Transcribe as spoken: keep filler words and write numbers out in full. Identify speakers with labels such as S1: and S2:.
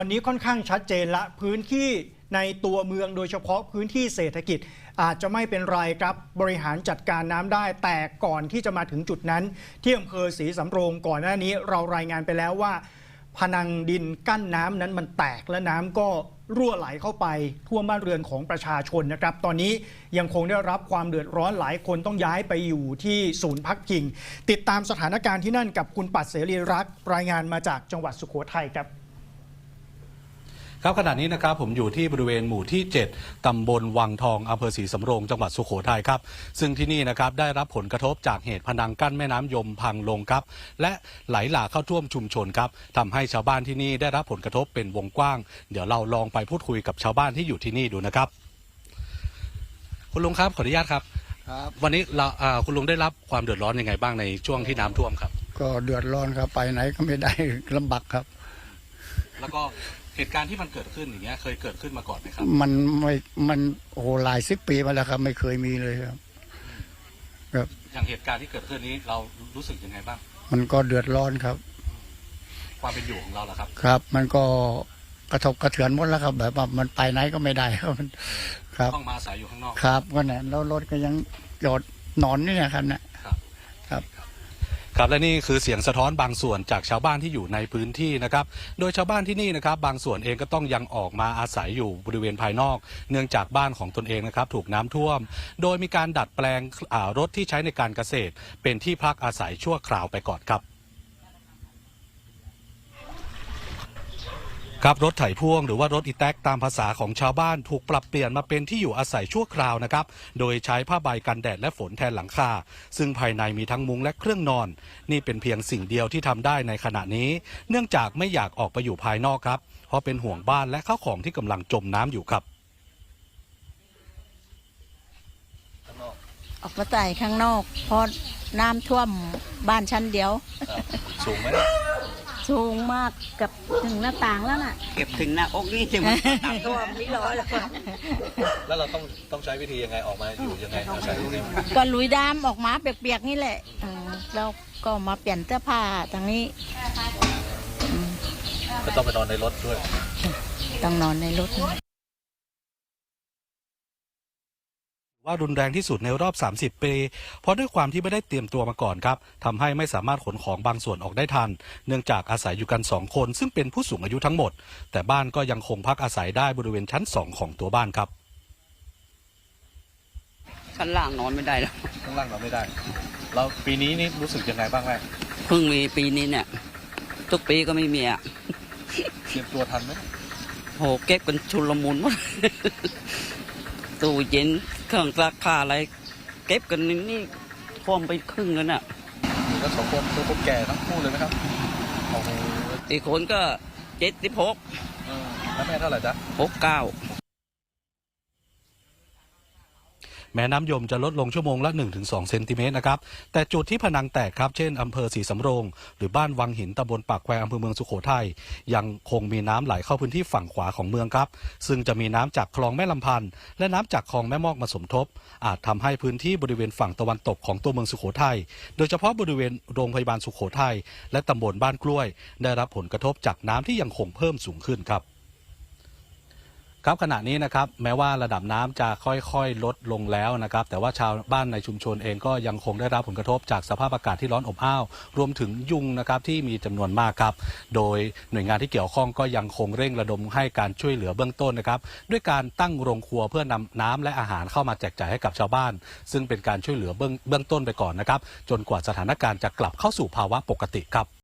S1: วันนี้ค่อนข้างชัดเจนละพื้นที่ในตัวเมืองโดยเฉพาะพื้นที่เศรษฐกิจอาจจะไม่เป็นไรครับบริหารจัดการน้ำได้แต่ก่อนที่จะมาถึงจุดนั้นที่อำเภอศรีสำโรงก่อนหน้านี้เรารายงานไปแล้วว่าพนังดินกั้นน้ำนั้นมันแตกและน้ำก็รั่วไหลเข้าไปท่วมบ้านเรือนของประชาชนนะครับตอนนี้ยังคงได้รับความเดือดร้อนหลายคนต้องย้ายไปอยู่ที่ศูนย์พักพิงติดตามสถานการณ์ที่นั่นกับคุณปัดเสรีรักษ์รายงานมาจากจังหวัดสุโขทัยครับ
S2: ครับขณะนี้นะครับผมอยู่ที่บริเวณหมู่ที่เจ็ดตำบลวังทองอำเภอศรีสำโรงจังหวัดสุโขทัยครับซึ่งที่นี่นะครับได้รับผลกระทบจากเหตุพนังกั้นแม่น้ำยมพังลงครับและไหลหลากเข้าท่วมชุมชนครับทำให้ชาวบ้านที่นี่ได้รับผลกระทบเป็นวงกว้างเดี๋ยวเราลองไปพูดคุยกับชาวบ้านที่อยู่ที่นี่ดูนะครับคุณลุงครับขออนุญาตครับครับวันนี้เราคุณลุงได้รับความเดือดร้อนยังไงบ้างในช่วงที่น้ำท่วมครับ
S3: ก็เดือดร้อนครับไปไหนก็ไม่ได้ลำบากครับ
S2: แล้วก็เหตุการณ์ที่มันเกิดขึ้นอย่างเงี้ยเคยเกิดขึ้นมาก่อนไหมครับ
S3: มันไม่มันโอ้หลายสิบปีมาแล้วครับไม่เคยมีเลยครับ
S2: ครับอย่างเหตุการณ์ที่เกิดขึ้นนี้เรารู้สึกยังไงบ้าง
S3: มันก็เดือดร้อนครับ
S2: ความเป็นอยู่ของเราล่ะครับ
S3: ครับมันก็กระทบกระเทือนหมดแล้วครับแบบว่ามันไปไหนก็ไม่ได้ครับครับ
S2: ต้องมาอาศัยอยู่ข้างนอก
S3: ครับก็เนี่ยแล้วรถก็ยังจอดนอนนี่นะครับเนี่ยครับครับ
S2: ครับและนี่คือเสียงสะท้อนบางส่วนจากชาวบ้านที่อยู่ในพื้นที่นะครับโดยชาวบ้านที่นี่นะครับบางส่วนเองก็ต้องยังออกมาอาศัยอยู่บริเวณภายนอกเนื่องจากบ้านของตนเองนะครับถูกน้ำท่วมโดยมีการดัดแปลงรถที่ใช้ในการเกษตรเป็นที่พักอาศัยชั่วคราวไปก่อนครับครับรถไถพ่วงหรือว่ารถอีแต๊กตามภาษาของชาวบ้านถูกปรับเปลี่ยนมาเป็นที่อยู่อาศัยชั่วคราวนะครับโดยใช้ผ้าใบกันแดดและฝนแทนหลังคาซึ่งภายในมีทั้งมุ้งและเครื่องนอนนี่เป็นเพียงสิ่งเดียวที่ทำได้ในขณะนี้เนื่องจากไม่อยากออกไปอยู่ภายนอกครับเพราะเป็นห่วงบ้านและข้าวของที่กำลังจมน้ำอยู่ครับ
S4: ออกมาใส่ข้างนอกเพราะน้ำท่วมบ้านชั้นเดียว
S2: สูงไหม
S4: สูงมากกับถึงหน้าต่างแล้วน่ะ
S5: เก็บถึงหน้าอกนี่ถึง
S4: ท่วมนี่ร้อยแล้ว
S2: แล้วเราต้องต้องใช้วิธียังไงออกมาอยู่ยังไงอาศัยอยู่
S4: ก็ลุยดามออกมาเปียกๆนี่แหละแล้วก็มาเปลี่ยนเสื้อผ้าทางนี้
S2: ก็ต้องไปนอนในรถด้วย
S4: ต้องนอนในรถ
S2: ว่ารุนแรงที่สุดในรอบสามสิบปีเพราะด้วยความที่ไม่ได้เตรียมตัวมาก่อนครับทำให้ไม่สามารถขนของบางส่วนออกได้ทันเนื่องจากอาศัยอยู่กันสองคนซึ่งเป็นผู้สูงอายุทั้งหมดแต่บ้านก็ยังคงพักอาศัยได้บริเวณชั้นสองของตัวบ้านครับ
S5: ชั้นล่างนอนไม่ได้แล้ว
S2: ข้างล่างนอนไม่ได้เราปีนี้นี่รู้สึกยังไงบ้างแม่
S5: เพิ่งมีปีนี้เนี่ยทุกปีก็ไม่มีอ่ะ
S2: เตรียมตัวทันไหม
S5: โหเก็บกันชุลมุนหมดตู้เย็นเครื่องซักผ้าอะไรเก็บกันนี่ท่วมไปครึ่งแล้วน่ะ
S2: อยู่กันสองคนตัวคนแก่ทั้งคู่เลยไหมครับโอ้โห
S5: อีกคนก็เจ็ดสิบหก
S2: แล้วแม่เท่าไหร่จ๊ะ
S5: หกเก้า
S2: แม้น้ำยมจะลดลงชั่วโมงละ หนึ่งถึงสอง เซนติเมตรนะครับแต่จุดที่ผนังแตกครับเช่นอำเภอศรีสำโรงหรือบ้านวังหินตำบลปากแควอำเภอเมืองสุโขทัยยังคงมีน้ำไหลเข้าพื้นที่ฝั่งขวาของเมืองครับซึ่งจะมีน้ำจากคลองแม่ลำพันธ์และน้ำจากคลองแม่มอกมาสมทบอาจทำให้พื้นที่บริเวณฝั่งตะวันตกของตัวเมืองสุโขทัยโดยเฉพาะบริเวณโรงพยาบาลสุโขทัยและตำบลบ้านกล้วยได้รับผลกระทบจากน้ำที่ยังคงเพิ่มสูงขึ้นครับครับขณะนี้นะครับแม้ว่าระดับน้ำจะค่อยๆลดลงแล้วนะครับแต่ว่าชาวบ้านในชุมชนเองก็ยังคงได้รับผลกระทบจากสภาพอากาศที่ร้อนอบอ้าวรวมถึงยุงนะครับที่มีจำนวนมากครับโดยหน่วยงานที่เกี่ยวข้องก็ยังคงเร่งระดมให้การช่วยเหลือเบื้องต้นนะครับด้วยการตั้งโรงครัวเพื่อนำน้ำและอาหารเข้ามาแจกจ่ายให้กับชาวบ้านซึ่งเป็นการช่วยเหลือเบื้องเบื้องต้นไปก่อนนะครับจนกว่าสถานการณ์จะกลับเข้าสู่ภาวะปกติครับ